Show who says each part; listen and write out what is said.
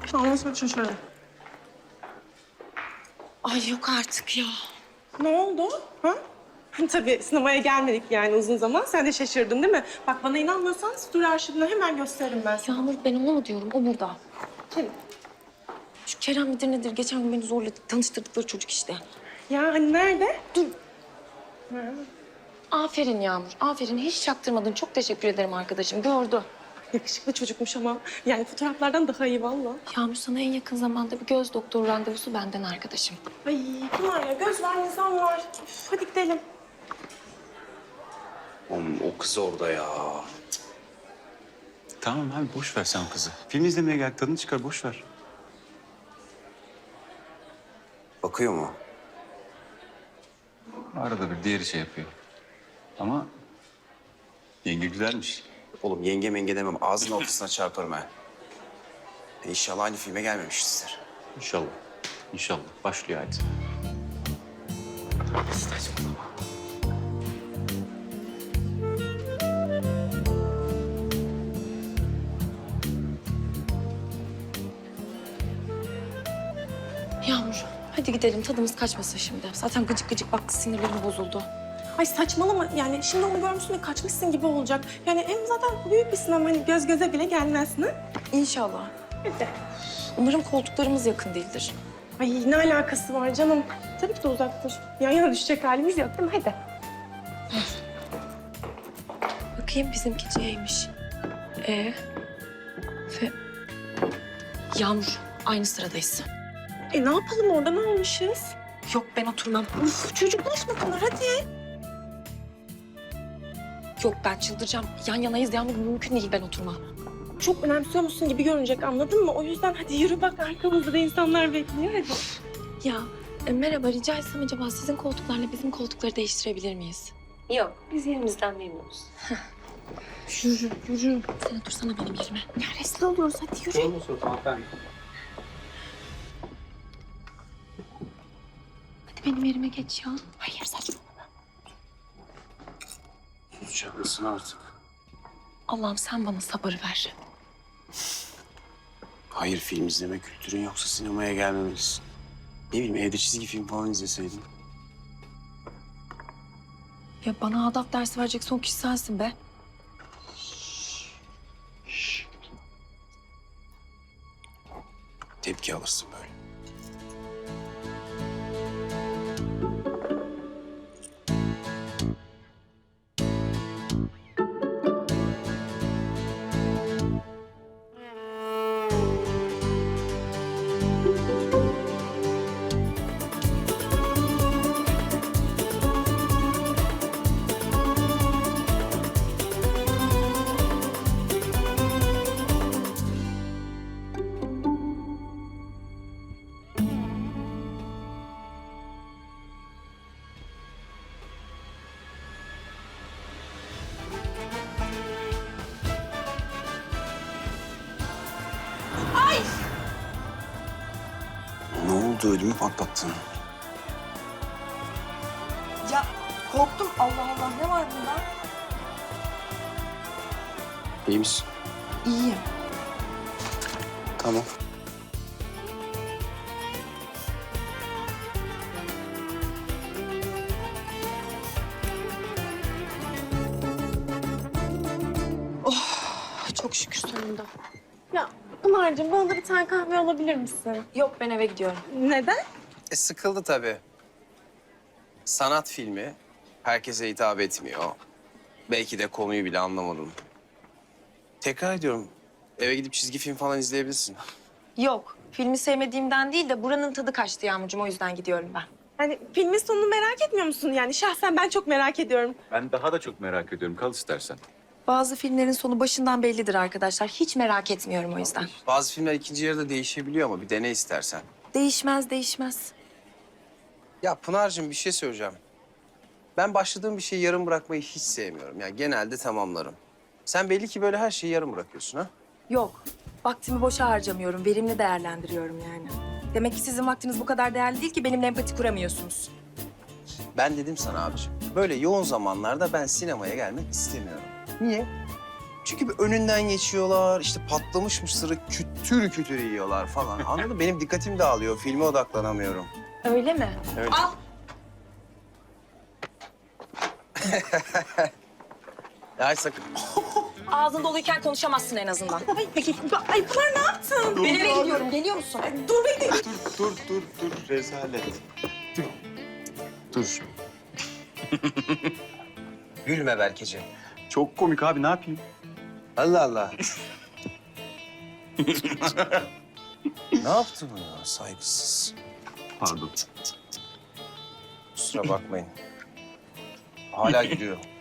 Speaker 1: Ondan sonra şaşırdım.
Speaker 2: Ay yok artık ya.
Speaker 1: Ne oldu? Ha? Tabii sinemaya gelmedik yani uzun zaman. Sen de şaşırdın değil mi? Bak bana inanmıyorsan story arşivini hemen gösteririm ben sana.
Speaker 2: Yağmur ben onu mu diyorum? O burada.
Speaker 1: Kim?
Speaker 2: Şu Kerem midir nedir? Geçen gün beni zorla tanıştırdıkları çocuk işte.
Speaker 1: Ya hani nerede?
Speaker 2: Dur. Aferin Yağmur. Aferin. Hiç çaktırmadın. Çok teşekkür ederim arkadaşım. Gördü.
Speaker 1: Yakışıklı çocukmuş ama. Yani fotoğraflardan daha iyi valla.
Speaker 2: Yağmur sana en yakın zamanda bir göz doktoru randevusu benden arkadaşım.
Speaker 1: Ay Pınar ya göz var nizam var. Üf, hadi gidelim.
Speaker 3: Oğlum o kız orada ya.
Speaker 4: Tamam abi boş ver sen kızı. Film izlemeye gel tadını çıkar boş ver.
Speaker 3: Bakıyor mu?
Speaker 4: Arada bir diğeri şey yapıyor. Ama yenge güzelmiş.
Speaker 3: Oğlum yenge menge demem. Ağzının ortasına çarparım ha. İnşallah aynı filme gelmemişizdir.
Speaker 4: İnşallah. İnşallah. Başlıyor hadi.
Speaker 2: Yağmur hadi gidelim. Tadımız kaçmasın şimdi. Zaten gıcık gıcık baktı. Sinirlerim bozuldu.
Speaker 1: Ay saçmalama yani şimdi onu görmüşsün de kaçmışsın gibi olacak. Yani hem zaten büyük bir sinema hani göz göze bile gelmezsin ha?
Speaker 2: İnşallah.
Speaker 1: Hadi.
Speaker 2: Umarım koltuklarımız yakın değildir.
Speaker 1: Ay ne alakası var canım? Tabii ki de uzaktır. Yan yana düşecek halimiz yok değil mi? Hadi.
Speaker 2: Bakayım bizimki C'ymiş. Ve Yağmur aynı sıradayız.
Speaker 1: Ne yapalım orada ne olmuşuz?
Speaker 2: Yok ben oturmam.
Speaker 1: Uf çocuklaşma Pınar hadi.
Speaker 2: Yok ben çıldıracağım. Yan yanayız Yağmur mümkün değil ben oturmam.
Speaker 1: Çok önemsiyor musun gibi görünecek anladın mı? O yüzden hadi yürü bak arkamızda da insanlar bekliyor hadi.
Speaker 2: Ya merhaba rica etsem acaba sizin koltuklarla bizim koltukları değiştirebilir miyiz?
Speaker 5: Yok, biz yerimizden memnunuz.
Speaker 2: Yürü yürü. Sen otursana benim yerime.
Speaker 1: Ya rezil oluyoruz hadi yürü.
Speaker 2: Hadi benim yerime geç ya.
Speaker 1: Hayır saçmalama.
Speaker 3: Susacak mısın artık?
Speaker 2: Allah'ım sen bana sabır ver.
Speaker 3: Hayır film izleme kültürün yoksa sinemaya gelmemelisin. Ne bileyim evde çizgi film falan izleseydin.
Speaker 2: Ya bana adap dersi verecek son kişi sensin be.
Speaker 3: Tepki alırsın böyle. Ne oldu ödümü patlattın?
Speaker 6: Ya korktum Allah Allah ne var bunda?
Speaker 3: İyi misin?
Speaker 6: İyiyim.
Speaker 3: Tamam.
Speaker 2: Çok şükür sonunda.
Speaker 1: Ya Pınar'cığım bana da bir tane kahve alabilir misin?
Speaker 2: Yok ben eve gidiyorum.
Speaker 1: Neden?
Speaker 3: Sıkıldı tabii. Sanat filmi herkese hitap etmiyor. Belki de konuyu bile anlamadım. Tekrar ediyorum. Eve gidip çizgi film falan izleyebilirsin.
Speaker 2: Yok filmi sevmediğimden değil de buranın tadı kaçtı Yağmurcuğum o yüzden gidiyorum ben.
Speaker 1: Hani filmin sonunu merak etmiyor musun? Yani şahsen ben çok merak ediyorum.
Speaker 4: Ben daha da çok merak ediyorum. Kal istersen.
Speaker 2: Bazı filmlerin sonu başından bellidir arkadaşlar. Hiç merak etmiyorum o yüzden.
Speaker 3: Bazı filmler ikinci yarıda değişebiliyor ama bir dene istersen.
Speaker 2: Değişmez değişmez.
Speaker 3: Ya Pınar'cığım bir şey söyleyeceğim. Ben başladığım bir şeyi yarım bırakmayı hiç sevmiyorum. Yani genelde tamamlarım. Sen belli ki böyle her şeyi yarım bırakıyorsun ha?
Speaker 6: Yok vaktimi boşa harcamıyorum verimli değerlendiriyorum yani. Demek ki sizin vaktiniz bu kadar değerli değil ki benimle empati kuramıyorsunuz.
Speaker 3: Ben dedim sana abiciğim. Böyle yoğun zamanlarda ben sinemaya gelmek istemiyorum. Niye? Çünkü bir önünden geçiyorlar, işte patlamış mısırı kütür kütür yiyorlar falan. Anladın mı? Benim dikkatim dağılıyor, filme odaklanamıyorum.
Speaker 6: Öyle mi?
Speaker 3: Öyle.
Speaker 6: Al.
Speaker 3: Ay sakın.
Speaker 6: Ağzın doluyken konuşamazsın en azından.
Speaker 1: Ay, peki, ay Pınar ne yaptın?
Speaker 6: Ben eve gidiyorum. Geliyor musun?
Speaker 1: Dur bekle.
Speaker 4: Dur rezalet. Dur.
Speaker 3: Gülme Berkeciğim.
Speaker 4: Çok komik abi ne yapayım?
Speaker 3: Allah Allah. Ne yaptı bu ya? Saygısız.
Speaker 4: Pardon.
Speaker 3: Kusura bakmayın. Hala gülüyor.